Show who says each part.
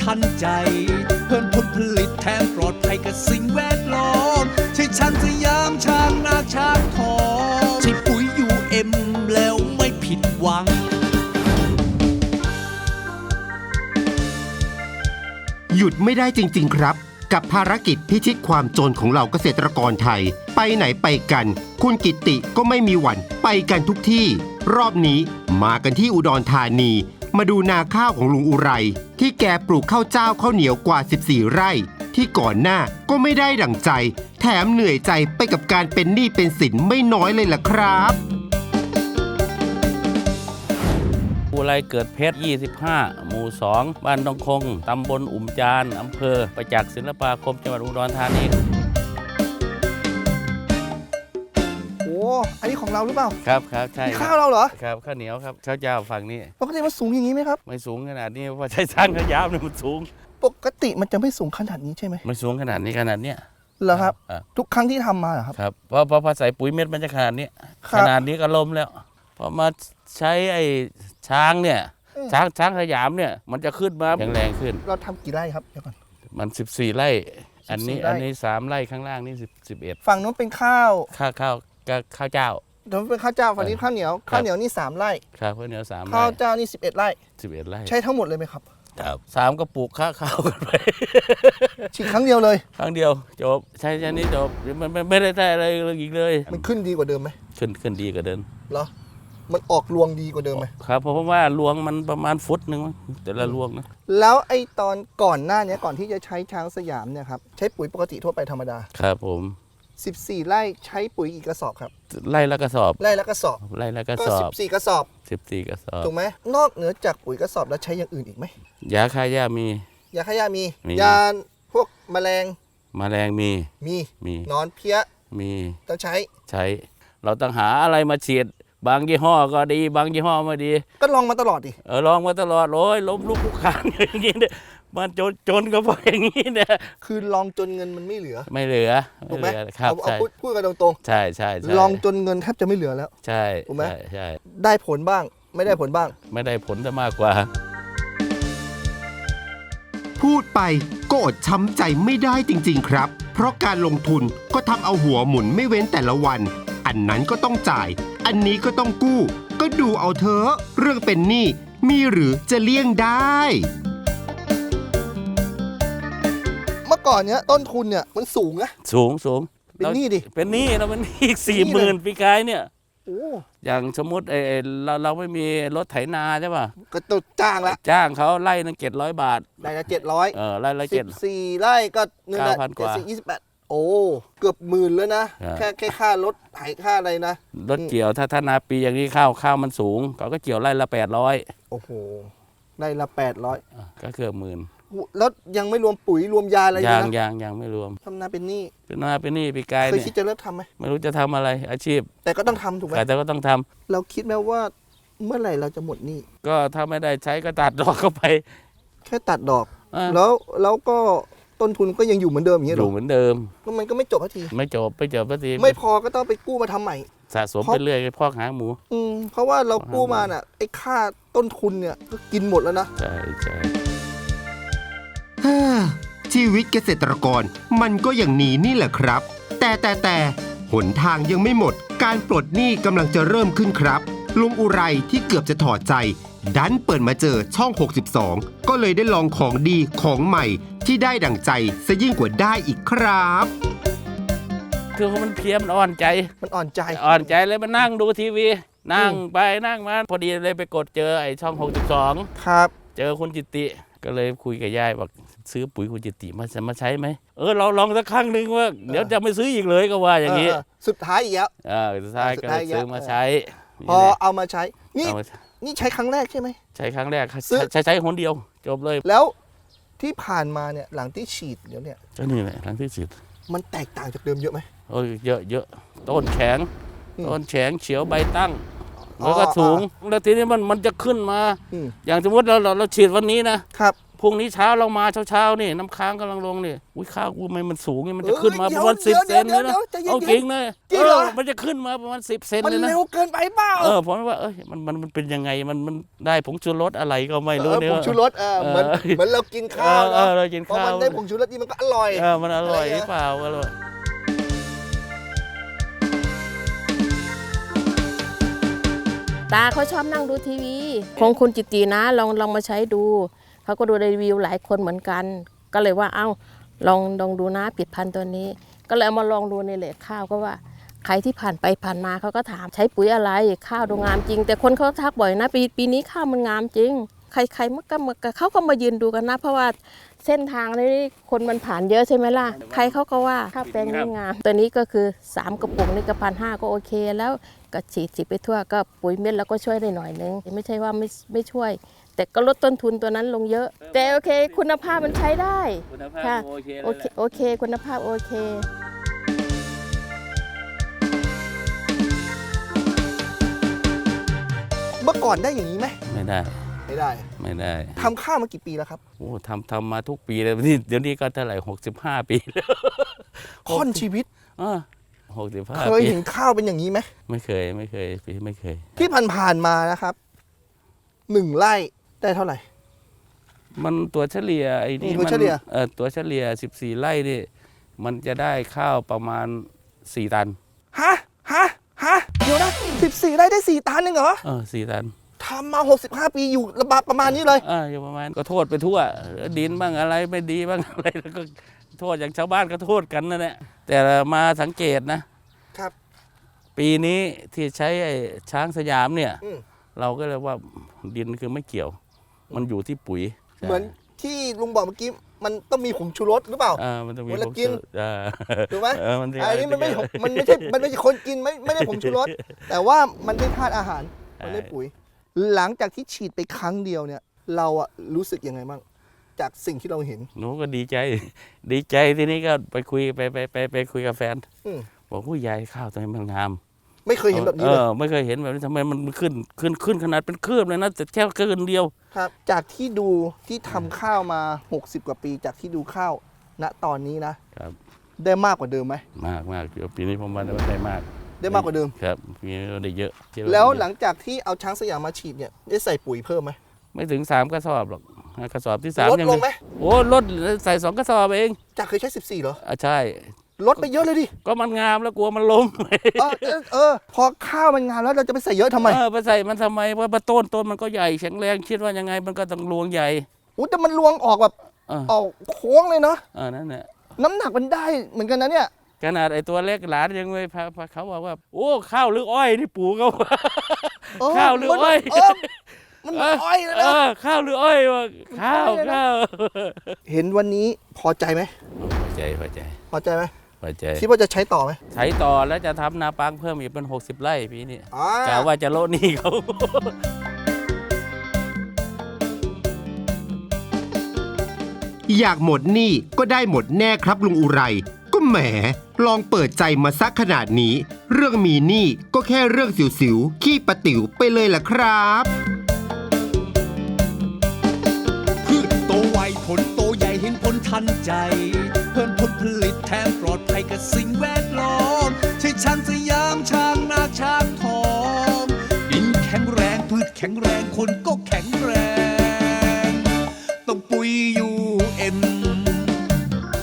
Speaker 1: ทันใจเพิ่มผลผลิตแถมปลอดภัยกับสิ่งแวดล้อมใช่ช้างสยามช้างนาช้างทองใช่ปุ๋ยUMแล้วไม่ผิดหวัง
Speaker 2: หยุดไม่ได้จริงๆครับกับภารกิจพิชิตความจนของเหล่าเกษตรกรไทยไปไหนไปกันคุณกิตติก็ไม่มีหวั่นไปกันทุกที่รอบนี้มากันที่อุดรธานีมาดูนาข้าวของลุงอุไรที่แกปลูกข้าวเจ้าข้าวเหนียวกว่า14ไร่ที่ก่อนหน้าก็ไม่ได้ดั่งใจแถมเหนื่อยใจไปกับการเป็นหนี้เป็นสินไม่น้อยเลยล่ะครับ
Speaker 3: อุไรเกิดเพชร25 หมู่ 2 บ้านดงคง ตำบลอุ่มจานอำเภอประจักษ์ศิลปาคม จังหวัดอุดรธานี
Speaker 4: โอ้อันนี้ของเราหรือเปล่า
Speaker 3: ครับใช่
Speaker 4: ข้าวเราเหรอ
Speaker 3: ครับข้าวเหนียวครับข้าวเจ้าฝั่งนี้
Speaker 4: ปกติมันสูงอย่างนี้ไหมครับ
Speaker 3: ไม่สูงขนาดนี้เพราะใช้สร้างขยามมันสูง
Speaker 4: ปกติมันจะไม่สูงขนาดนี้ใช่ไหม
Speaker 3: ไม่สูงขนาดนี้เนี้ย
Speaker 4: เหรอครับทุกครั้งที่ทำมาเหรอครับ
Speaker 3: ครับเพราะพอใส่ปุ๋ยเม็ดมันจะขนาดนี้ก็ล้มแล้วพอมาใช้ไอ้ช้างเนี่ยช้างสยามเนี่ยมันจะขึ้นมาแข็งแรงขึ้น
Speaker 4: เราทำกี่ไร่ครับเดี๋ยวก่อน
Speaker 3: มัน14 ไร่อันนี้3 ไร่ข้างล่างนี่11
Speaker 4: ฝั่งนู้นเป็นข้าว
Speaker 3: เจ้า
Speaker 4: ตรงเป็นข้าวเจ้าฝั่งนี้ข้าวเหนียวนี่3 ไร่
Speaker 3: ครับข้าวเหนียว3 ไร่
Speaker 4: ข้าวเจ้านี่11 ไร่
Speaker 3: 11 ไร่
Speaker 4: ใช้ทั้งหมดเลยไหมครับ
Speaker 3: ครับ3 ก็ปลูกข้าวกันไป
Speaker 4: ฉีดครั้งเดียวเลย
Speaker 3: ครั้งเดียวจบใช้นี้จบมันไม่ได้อะไรอีกเลย
Speaker 4: มันขึ้นดีกว่าเดิมไหม
Speaker 3: ขึ้นดีกว่าเดิม
Speaker 4: เหรอมันออกรวงดีกว่าเดิมไหม
Speaker 3: ครับเพราะว่ารวงมันประมาณฟุตนึงแต่ละรวงนะ
Speaker 4: แล้วไอ้ตอนก่อนหน้านี้ก่อนที่จะใช้ช้างสยามเนี่ยครับใช้ปุ๋ยปกติทั่วไปธรรมดา
Speaker 3: ครับผม
Speaker 4: 14 ไร่ใช้ปุ๋ยกี่กระสอบครับ
Speaker 3: ไร่ละกระสอบ
Speaker 4: ก็14 กระสอบ
Speaker 3: 14 กระสอบ
Speaker 4: ถูกไหมนอกเหนือจากปุ๋ยกระสอบแล้วใช้อย่างอื่นอีกไหม
Speaker 3: ยาฆ่าหญ้ามี
Speaker 4: ยาพวกแมลงมีนอนเพี้ย
Speaker 3: มี
Speaker 4: ต้องใช้
Speaker 3: เราต้องหาอะไรมาฉีดบางยี่ห้อก็ดีบางยี่ห้อไม่ดี
Speaker 4: ก็ลองมาตลอดดิ
Speaker 3: ลองมาตลอดโอ้ยล้มลุกคลุกคลานอย่างนี้เนี่ยมันจนก็เพราะอย่างนี้เนี่ย
Speaker 4: คือลองจนเงินมันไม่เหลือ
Speaker 3: ถูกไหม
Speaker 4: ครับเอาพูดกันตรง
Speaker 3: ๆใช่
Speaker 4: ลองจนเงินแทบจะไม่เหลือแล้ว
Speaker 3: ใช่
Speaker 4: ถูกไหมใช่ได้ผลบ้างไม่ได้ผลบ้าง
Speaker 3: ไม่ได้ผลจะมากกว่า
Speaker 2: พูดไปก็อดช้ำใจไม่ได้จริงๆครับเพราะการลงทุนก็ทำเอาหัวหมุนไม่เว้นแต่ละวันอันนั้นก็ต้องจ่ายอันนี้ก็ต้องกู้ก็ดูเอาเถอะเรื่องเป็นหนี้มีหรือจะเลี่ยงได้
Speaker 4: เมื่อก่อนเนี้ยต้นทุนเนี่ยมันสูงนะ
Speaker 3: สูง
Speaker 4: เป็นหนี้ดิ
Speaker 3: เป็นหนี้เราเป็นหนี้40,000ปีกายเนี่ยอย่างสมมติเราไม่มีรถไถนาใช่ป่ะ
Speaker 4: ก็ต้องจ้าง
Speaker 3: เขาไล่นึง700 บาท
Speaker 4: ไร่ละ700
Speaker 3: ไร่ละ
Speaker 4: 14 ไร่ก็
Speaker 3: 9,000 กว่า
Speaker 4: 28โอ้เกือบ10,000แล้วนะแค่ค่ารถไถค่าอะไรนะ
Speaker 3: รถเกี่ยวถ้านาปีอย่างนี้ข้าวมันสูงเขาก็เกี่ยวไร่ละ800
Speaker 4: โอ้โหไร่ละ800
Speaker 3: ก็เกือบ10,000
Speaker 4: แล้วยังไม่รวมปุ๋ยรวมยาอะไร
Speaker 3: ยังไม่รวม
Speaker 4: ทำนาเป็นหนี้
Speaker 3: ปีกาย
Speaker 4: เคยคิดจะเลิกทำไหม
Speaker 3: ไม่รู้จะทำอะไรอาชีพ
Speaker 4: แต่ก็ต้องทำถูกไหม
Speaker 3: แต่ก็ต้องท
Speaker 4: ำเราคิดไหมว่าเมื่อไหร่เราจะหมดหนี้
Speaker 3: ก็ถ้าไม่ได้ใช้ก็ตัดดอกเข้าไป
Speaker 4: แค่ตัดดอกแล้วก็ต้นทุนก็ยังอยู่เหมือนเดิมอย่างเงี้ย
Speaker 3: อยู่เหมือนเดิม
Speaker 4: มันก็ไม่จบสักที
Speaker 3: ไม่จบสักที
Speaker 4: ไม่พอก็ต้องไปกู้มาทำใหม่
Speaker 3: สะสมไปเรื่อยพอกหางหมู
Speaker 4: เพราะว่าเรากู้มาน่ะไอ้ค่าต้นทุนเนี่ยก็กินหมดแล้วนะ
Speaker 3: ใช่
Speaker 2: ชีวิตเกษตรกรมันก็อย่างนี้นี่แหละครับแต่หนทางยังไม่หมดการปลดหนี้กำลังจะเริ่มขึ้นครับลุงอุไรที่เกือบจะถอดใจดันเปิดมาเจอช่อง62ก็เลยได้ลองของดีของใหม่ที่ได้ดั่งใจซะยิ่งกว่าได้อีกครับ
Speaker 3: คือมันเพี้ยมันอ่อนใจเลยมานั่งดูทีวีนั่งไปนั่งมาพอดีเลยไปกดเจอไอ้ช่อง62
Speaker 4: ครับ
Speaker 3: เจอคุณจิตติก็เลยคุยกับยายบอกซื้อปุ๋ยคุณจิตติมาใช้ไหมเราลองสักครั้งหนึ่งว่าเดี๋ยวจะไม่ซื้ออีกเลยก็ว่าอย่างนี้
Speaker 4: สุดท้ายอีกแล้ว
Speaker 3: สุดท้ายก็ซื้อมาใช้
Speaker 4: พอเอามาใช้นี่ใช้ครั้งแรกใช่ไหม
Speaker 3: ใช้ครั้งแรกใช้หนเดียวจบเลย
Speaker 4: แล้วที่ผ่านมาเนี่ยหลังที่ฉีดเดี๋ยวเนี่ย
Speaker 3: ก็นี่แหละหลังที่ฉีด
Speaker 4: มันแตกต่างจากเดิมเยอะไหม
Speaker 3: เยอะต้นแข็งเฉียวใบตั้งแล้วก็สูงแล้วทีนี้มันจะขึ้นมาอย่างสมมติเราฉีดวันนี้นะครับพรุ่งนี้เช้าเรามาเช้านี่น้ำค้างกำลังลงนี่อุ้ยข้าวกูทำไมมันสูงนี่มันจะขึ้นมาประมาณ10 เซนเลยนะเอาจริงเลยมันจะขึ้นมาประมาณ10 เซน
Speaker 4: มัน
Speaker 3: เลยนะ
Speaker 4: เร็วเกินไปเปล่า
Speaker 3: ผมว่ามันเป็นยังไงมันได้ผงชูรสอะไรก็ไม่รู้เนี่ย
Speaker 4: ผงชูรสเหมือนเรากินข้าวเนาะ
Speaker 3: เรากิน
Speaker 4: พอ
Speaker 3: ข้าว
Speaker 4: มันได้ผงชูรสนี่มันก็อร่อย
Speaker 3: มันอร่อยหรือเปล่าก็เลย
Speaker 5: ตาเขาชอบนั่งดูทีวีของคุณจิตตินะลองมาใช้ดูเขาก็ดูรีวิวหลายคนเหมือนกัน ก็เลยว่าลองดูนะผลิตภัณฑ์ตัวนี้ ก็เลยเอามาลองดูในเหล็กข้าวก็ว่าใครที่ผ่านไปผ่านมาเขาก็ถามใช้ปุ๋ยอะไรข้าวดูงามจริง แต่คนเขาทักบ่อยนะปีนี้ข้าวมันงามจริงใครๆเขาก็มายืนดูกันนะเพราะว่าเส้นทางนี้คนมันผ่านเยอะใช่ไหมล่ะใครเขาก็ว่าข้าวแปลงนี้งามตัวนี้ก็คือ3 กระปุกนี่ก็1,500ก็โอเคแล้วก็ฉีดไปทั่วก็ปุ๋ยเม็ดแล้วก็ช่วยได้หน่อยนึงไม่ใช่ว่าไม่ช่วย แต่ก็ลดต้นทุนตัวนั้นลงเยอะ แต่โอเคคุณภาพมันใช้ได้ค่ะโอเคคุณภาพโอเค
Speaker 4: เมื่อก่อนได้อย่างนี้ไหม
Speaker 3: ไม่ได้
Speaker 4: ไม่ได้ทำข้าวมากี่ปีแล้วครับ
Speaker 3: โอ้ทำมาทุกปีเลยนี่เดี๋ยวนี้ก็เท่าไหร่65 ปีแล้ว
Speaker 4: ค่อนชีวิต
Speaker 3: 65
Speaker 4: เคยเห็นข้าวเป็นอย่างนี้ไหม
Speaker 3: ไม่เคยปีไม่เคย
Speaker 4: ที่ผ่านๆมานะครับ1 ไร่ได้เท่าไหร่
Speaker 3: มันตัวเฉลี่ยไอ้นี่
Speaker 4: ตัวเฉลี่ย
Speaker 3: ตัวเฉลี่ย14 ไร่นี่มันจะได้ข้าวประมาณ4 ตัน
Speaker 4: ฮะเดี๋ยวนะ14 ไร่ได้4 ตันเองเหรอ
Speaker 3: 4 ตัน
Speaker 4: ทำมา65 ปีอยู่ระบาดประมาณนี้เลย
Speaker 3: อยู่ประมาณก็โทษไปทั่วดินบ้างอะไรไม่ดีบ้างอะไรแล้วก็โทษอย่างชาวบ้านก็โทษกันนั่นแหละแต่มาสังเกตนะครับ ปีนี้ที่ใช้ไอ้ช้างสยามเนี่ยเราก็เลยว่าดินคือไม่เกี่ยว มันอยู่ที่ปุ๋ย
Speaker 4: เหมือนที่ลุงบอกเมื่อกี้มันต้องมีผงชูรสหรือเปล่า
Speaker 3: มันต้องมี
Speaker 4: เวลากิน ถูกไหม
Speaker 3: มัน
Speaker 4: อันนี้มันไม่ใช่คนกินไม่ได้ผงชูรสแต่ว่ามันได้ธาตุอาหารมันได้ปุ๋ย หลังจากที่ฉีดไปครั้งเดียวเนี่ยเราอะรู้สึกยังไงบ้างจากสิ่งที่เราเห็น
Speaker 3: หนูก็ดีใจทีนี้ก็ไปคุยไปคุยกับแฟนบอกผู้ใหญ่ข้าวทำไมมันงาม
Speaker 4: ไม่เคยเห็นแบบนี้เลย
Speaker 3: ไม่เคยเห็นแบบนี้ทำไมมันขึ้นขนาดเป็นคืบเลยนะแต่แค่คืนเดียว
Speaker 4: ครับจากที่ดูที่ทำข้าวมา60 กว่าปีจากที่ดูข้าวณตอนนี้นะครับได้มากกว่าเดิมไหม
Speaker 3: มากเดี๋ยวปีนี้ผมว่าได้มาก
Speaker 4: กว่าเดิม
Speaker 3: ครับปีนี้ได้เยอะ
Speaker 4: แล้วหลังจากที่เอาช้างสยามมาฉีดเนี่ยได้ใส่ปุ๋ยเพิ่มไหม
Speaker 3: ไม่ถึง3 กระสอบหรอกกระสอบที่3
Speaker 4: ลดลงไหม
Speaker 3: ลดใส่2 กระสอบเอง
Speaker 4: จากเคยใช้14เหรอ
Speaker 3: ใช่
Speaker 4: ลดไปเยอะเลยดิ
Speaker 3: ก็มันงามแล้วกลัวมันล้ม
Speaker 4: พอข้าวมันงามแล้วเราจะไปใส่เยอะทำไม
Speaker 3: ไปใส่มันทำไมว่าต้นมันก็ใหญ่แข็งแรงคิดว่ายังไงมันก็ต้องรวงใหญ่
Speaker 4: แต่มันรวงออกแบบออกโค้งเลยเนาะ
Speaker 3: นั่นแหละ
Speaker 4: น้ำหนักมันได้เหมือนกันนะเนี่ย
Speaker 3: ขนาดไอ้ตัวเล็กหลานยังไม่เขาบอกว่าโอ้ข้าวหรืออ้อยที่ปู่เขาข้าวหรืออ้อย
Speaker 4: มันอ้อยเลยนะ
Speaker 3: ข้าวหรืออ้อยข้าว
Speaker 4: เห็นวันนี้พอใจไหม
Speaker 3: พอใจไหม
Speaker 4: พอใจคิดว่าจะใช้ต่อไหม
Speaker 3: ใช้ต่อแล้วจะทำนาปังเพิ่มอีกเป็น60 ไร่ปีนี้กะว่าจะโลหนี้เขา
Speaker 2: อยากหมดหนี้ก็ได้หมดแน่ครับลุงอุไรก็แหมลองเปิดใจมาสักขนาดนี้เรื่องมีหนี้ก็แค่เรื่องสิวๆขี้ปะติ๋วไปเลยล่ะครับ
Speaker 1: พืชโตไวผลโตใหญ่เห็นผลทันใจเพิ่มผลผ